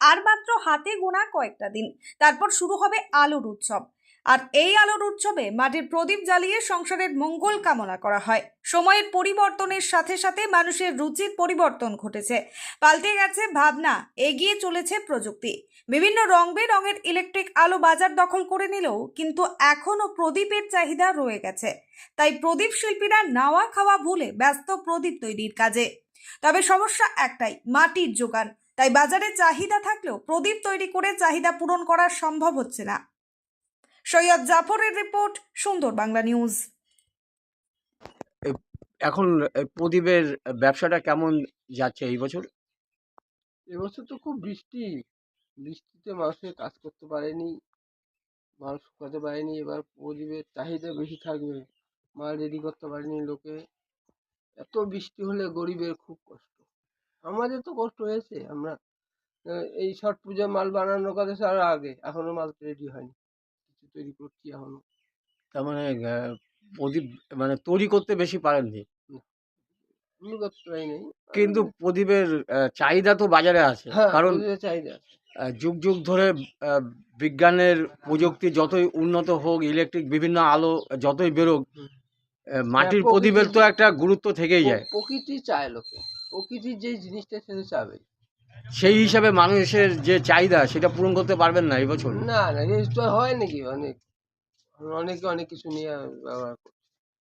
আর মাত্র হাতে গোনা কয়েকটা দিন, তারপর শুরু হবে আলোর উৎসব। আর এই আলোর উৎসবে মাটির প্রদীপ জ্বালিয়ে সংসারের মঙ্গল কামনা করা হয়। সময়ের পরিবর্তনের সাথে সাথে মানুষের রুচির পরিবর্তন ঘটেছে, পাল্টে গেছে ভাবনা, এগিয়ে চলেছে প্রযুক্তি। বিভিন্ন রং বেরঙের ইলেকট্রিক আলো বাজার দখল করে নিলেও কিন্তু এখনো প্রদীপের চাহিদা রয়ে গেছে। তাই প্রদীপ শিল্পীরা নাওয়া খাওয়া ভুলে ব্যস্ত প্রদীপ তৈরির কাজে। তবে সমস্যা একটাই, মাটির যোগান। তাই বাজারে চাহিদা থাকলেও প্রদীপ তৈরি করে চাহিদা পূরণ করা সম্ভব হচ্ছে না। সৈয়দ জাফরের রিপোর্ট, সুন্দর বাংলা নিউজ। এখন প্রদীপের ব্যবসাটা কেমন যাচ্ছে এই বছর? এবছর তো খুব বৃষ্টিতে মানুষের কাজ করতে পারেনি, মাল শুকাতে পারেনি। এবার প্রদীপের চাহিদা বেশি থাকবে, মাল রেডি করতে পারেনি লোকে। এত বৃষ্টি হলে গরিবের খুব কষ্ট, আমাদের তো কষ্ট হয়েছে। আমরা এই ছট পূজা মাল বানানোর কথা ছিল আরো আগে, এখনো মাল রেডি হয়নি, কিছু তৈরি করছি এখনো। তার মানে প্রদীপ মানে তৈরি করতে বেশি পারেননি, আমি করতে পারিনি। কিন্তু প্রদীপের চাহিদা তো বাজারে আছে। হ্যাঁ, কারণ প্রদীপের চাহিদা আছে। যুগ যুগ ধরে বিজ্ঞানের প্রযুক্তি যতই উন্নত হোক, ইলেকট্রিক বিভিন্ন আলো যতই বেরোক, মাটির প্রদীপের তো একটা গুরুত্ব থেকেই যায়। প্রকৃতি চায় লোকে, প্রকৃতির যে জিনিসটা সেটা চাবে। সেই হিসাবে মানুষের যে চাহিদা সেটা পূরণ করতে পারবেন না এই বছর? না না, এই তো হয় নাকি? অনেকে অনেক কিছু নিয়ে ব্যবহার করছে।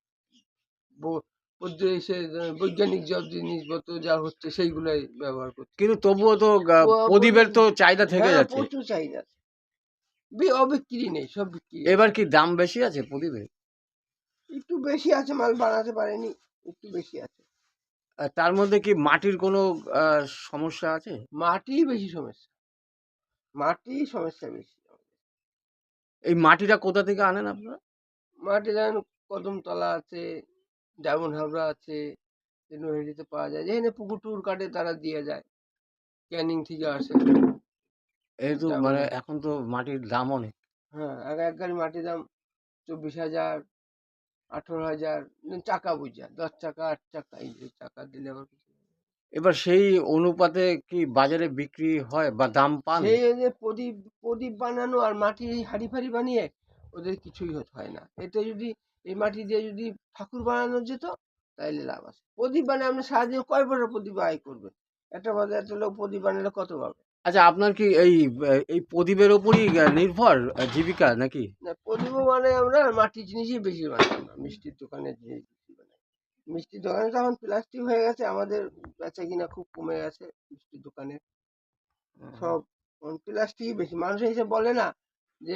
এসে বৈজ্ঞানিক সব জিনিসপত্র যা হচ্ছে সেইগুলাই ব্যবহার করছে। কিন্তু তবুও তো প্রদীপের তো চাহিদা থেকে হ্যাঁ, যাচ্ছে। প্রচুর চাহিদা আছে, অবিক্রি নেই, সব বিক্রি। এবার কি দাম বেশি আছে প্রদীপের? একটু বেশি আছে, মাল বানাতে পারেনি, একটু বেশি আছে। তার মধ্যে কি মাটির কোনো সমস্যা আছে? মাটি বেশি সমস্যা, সমস্যা বেশি। এই মাটিটা কোথা থেকে আনেন আপনারা? মাটি যেমন কদমতলা আছে, ডায়মন্ড হাবড়া আছে, নৈহাটিতে পাওয়া যায়। যেখানে পুকুর টুকুর কাটে তারা দিয়ে যায়, ক্যানিং থেকে আসে। এই তো মানে এখন তো মাটির দাম অনেক। হ্যাঁ, এক গাড়ি মাটির দাম 24,000, 18,000, চাকা বুঝা 10 চাকা 8 চাকা, এই যে চাকা দিলে আবার কিছু। এবার সেই অনুপাতে কি বাজারে বিক্রি হয় বা দাম পান? সেই যে প্রদীপ বানানো আর মাটির এই হাড়ি ফাড়ি বানিয়ে ওদের কিছুই হয় না। এটা যদি এই মাটি দিয়ে যদি ঠাকুর বানানো যেত তাইলে লাভ আছে। প্রদীপ বানিয়ে আপনি সারাদিন কয় বড় প্রদীপ আয় করবে? একটা বাজার একটা লোক প্রদীপ বানালে কত পাবে? আচ্ছা, আপনার কি এই প্রদীপের ওপরই নির্ভর জীবিকা নাকি? না, প্রদীপও মানে আমরা মাটির জিনিসই বেশি বানাই, আমরা মিষ্টির দোকানের জিনিস বেশি বানাই। মিষ্টির দোকানে তো এখন প্লাস্টিক হয়ে গেছে, আমাদের বেচা কিনা খুব কমে গেছে মিষ্টির দোকানে। সব প্লাস্টিকই বেশি। মানুষ এসে বলে না যে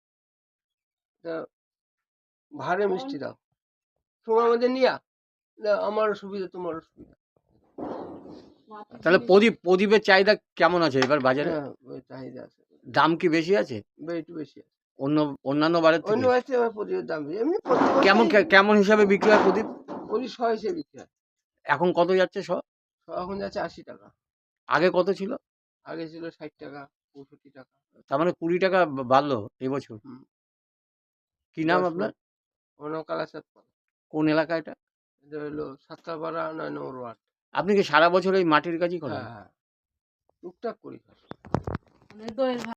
ভারে মিষ্টি দাও, সময় মধ্যে নিয়া আমারও সুবিধা তোমারও সুবিধা। তাহলে প্রদীপের চাহিদা কেমন আছে এবার বাজারে? হ্যাঁ, ওই চাহিদা আছে, দাম কি বেশি আছে একটু বেশি আছে অন্যান্য বারের অন্য থেকে? বাড়িতে। আবার প্রদীপের দাম বেশি, এমনি কেমন কেমন হিসাবে বিক্রি হয় প্রদীপ? প্রদীপ 100 হিসেবে বিক্রি হয়। এখন কত যাচ্ছে এখন যাচ্ছে 80 টাকা, আগে কত ছিল? আগে ছিল 60 টাকা, 65 টাকা। তার মানে 20 টাকা বাড়লো এবছর। কি নাম 10 আপনার? অন্য কালাচাঁদ পাড়া। কোন এলাকা এটা? এটা হলো সাতকাপাড়া 9 নম্বর ওয়ার্ড। আপনি কি সারা বছর এই মাটির কাজই করেন? হ্যাঁ হ্যাঁ, টুকটাক করি।